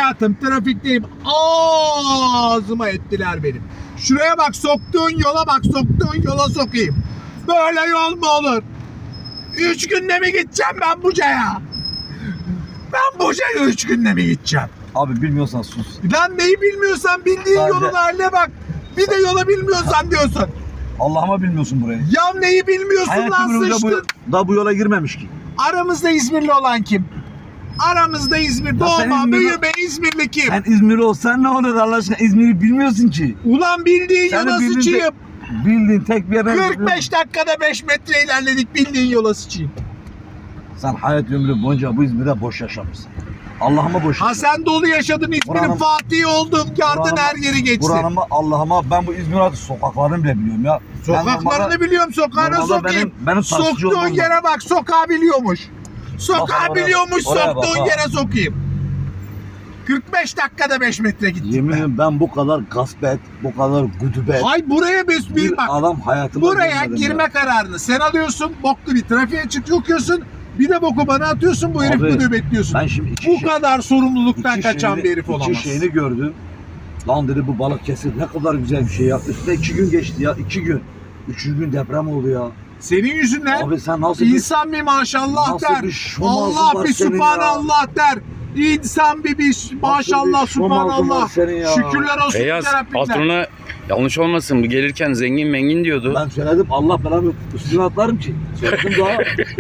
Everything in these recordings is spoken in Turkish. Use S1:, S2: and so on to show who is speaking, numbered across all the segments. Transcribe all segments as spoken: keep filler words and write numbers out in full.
S1: hayatım, trafikteyim. Ağzıma ettiler benim. Şuraya bak, soktuğun yola bak, soktuğun yola sokayım. Böyle yol mu olur? Üç günde mi gideceğim ben Buca'ya? Ben Buca'ya üç günde mi gideceğim?
S2: Abi bilmiyorsan sus.
S1: Lan neyi bilmiyorsan bildiğin
S2: Sadece-
S1: yolun haline bak. Bir de yola bilmiyorsan diyorsun.
S2: Allah'ıma bilmiyorsun burayı.
S1: Ya neyi bilmiyorsun lan,
S2: Hayatım boyunca
S1: sıçtın.
S2: bu, da bu yola girmemiş ki.
S1: Aramızda İzmirli olan kim? Aramızda İzmir,
S2: sen
S1: doğma,
S2: İzmirli-
S1: büyüme İzmirli kim?
S2: Sen İzmirli olsan ne olur Allah aşkına, İzmir'i bilmiyorsun ki.
S1: Ulan bildiğin
S2: Senin
S1: yola
S2: bildiğin
S1: sıçayım.
S2: Bildiğin tek bir yer.
S1: kırk beş dakikada beş metre ilerledik, bildiğin yola sıçayım.
S2: Sen hayat ömrü boyunca bu İzmir'de boş yaşamışsın. Allah'ıma boş
S1: Ha
S2: yaşamışsın.
S1: sen dolu yaşadın, İzmir'in
S2: Buranın-
S1: Fatih'i oldun, yardın
S2: Buranın-
S1: her yeri geçsin.
S2: Buranıma Allah'ıma ben bu İzmir artık sokaklarını bile biliyorum ya. Ben
S1: Sokaklarını
S2: normalde-
S1: biliyorum, sokağına
S2: normalde
S1: sokayım.
S2: benim- benim taksici
S1: Soktuğun
S2: olmam lazım.
S1: yere bak, sokağı biliyormuş. Sokağı
S2: Bak oraya-
S1: biliyormuş,
S2: oraya bak
S1: soktuğun
S2: ha.
S1: yere sokayım. kırk beş dakikada beş metre gittim
S2: Yemin
S1: ben.
S2: ederim ben bu kadar gasp et, bu kadar güdübet.
S1: Hay buraya bir,
S2: Bir
S1: bir bak.
S2: adam hayatımda
S1: Buraya
S2: görmedim
S1: girme
S2: ya.
S1: kararını sen alıyorsun, boklu bir trafiğe çıkıyorsun, bir de boku bana atıyorsun, bu herif
S2: Abi,
S1: bunu bekliyorsun.
S2: Ben şimdi iki
S1: Bu
S2: şey-
S1: kadar sorumluluktan
S2: iki
S1: kaçan
S2: şeyini-
S1: bir herif olamaz.
S2: İki şeyini gördüm. Lan dedi bu balık kesir ne kadar güzel bir şey ya. Üstüne iki gün geçti ya, iki gün. Üçüncü gün deprem oldu ya.
S1: Senin yüzünden
S2: Abi sen nasıl bir...
S1: insan bir maşallah
S2: Nasıl
S1: der,
S2: bir şomazın
S1: Allah
S2: var
S1: bir
S2: senin
S1: subhanallah der. İnsan bir bir maşallah
S2: bir şomazın var
S1: subhanallah.
S2: senin ya?
S1: Şükürler olsun
S3: Beyaz
S1: Rabbimden.
S3: patrona yanlış olmasın, bu gelirken zengin mengin diyordu.
S2: Ben söyledim Allah belanı üstüne atlarım ki. Söyledim daha.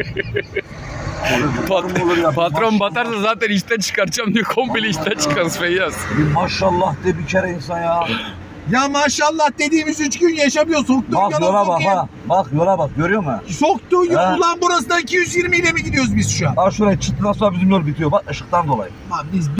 S3: Pat-
S2: Olur ya,
S3: patron
S2: maşallah.
S3: batarsa zaten işten çıkaracağım diyor, komple işten çıkarız Feyyaz.
S2: Bir maşallah de bir kere insan ya.
S1: Ya maşallah dediğimiz üç gün yaşamıyor, soktuğun
S2: Bak
S1: yola
S2: yola bak
S1: sokayım.
S2: ha. Bak yola bak görüyor musun?
S1: Soktuğun yol,
S2: Ha.
S1: ulan burasından iki yüz yirmi ile mi gidiyoruz biz şu an?
S2: Ha şuraya çıktı nasıl bizim yol bitiyor bak ışıktan dolayı.
S1: Lan biz